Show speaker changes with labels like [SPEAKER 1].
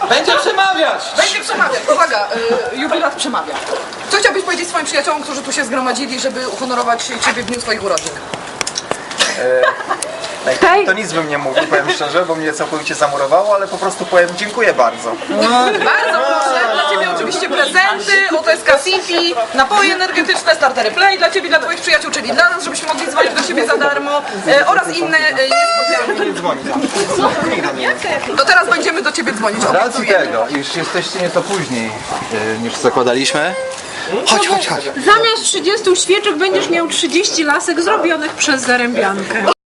[SPEAKER 1] Będzie przemawiać!
[SPEAKER 2] Będzie przemawiać. Uwaga, jubilat przemawia. Co chciałbyś powiedzieć swoim przyjaciołom, którzy tu się zgromadzili, żeby uhonorować Ciebie w dniu swoich urodzin?
[SPEAKER 3] To nic bym nie mówił, powiem szczerze, bo mnie całkowicie zamurowało, ale po prostu powiem dziękuję bardzo.
[SPEAKER 2] Bardzo proszę, dla Ciebie oczywiście prezenty, oto jest Kasipi, napoje energetyczne, startery Play dla Ciebie, dla Twoich przyjaciół, czyli dla nas, żebyśmy mogli dzwonić do siebie za darmo oraz inne niespodzianki.
[SPEAKER 3] Nie dzwoni tam. Nikt do mnie nie dzwoni.
[SPEAKER 2] To teraz będziemy do Ciebie dzwonić.
[SPEAKER 4] Z racji
[SPEAKER 2] obiecujemy.
[SPEAKER 4] tego, iż jesteście nieco później niż zakładaliśmy. Chodź.
[SPEAKER 5] Zamiast 30 świeczek będziesz miał 30 lasek zrobionych przez zarębiankę.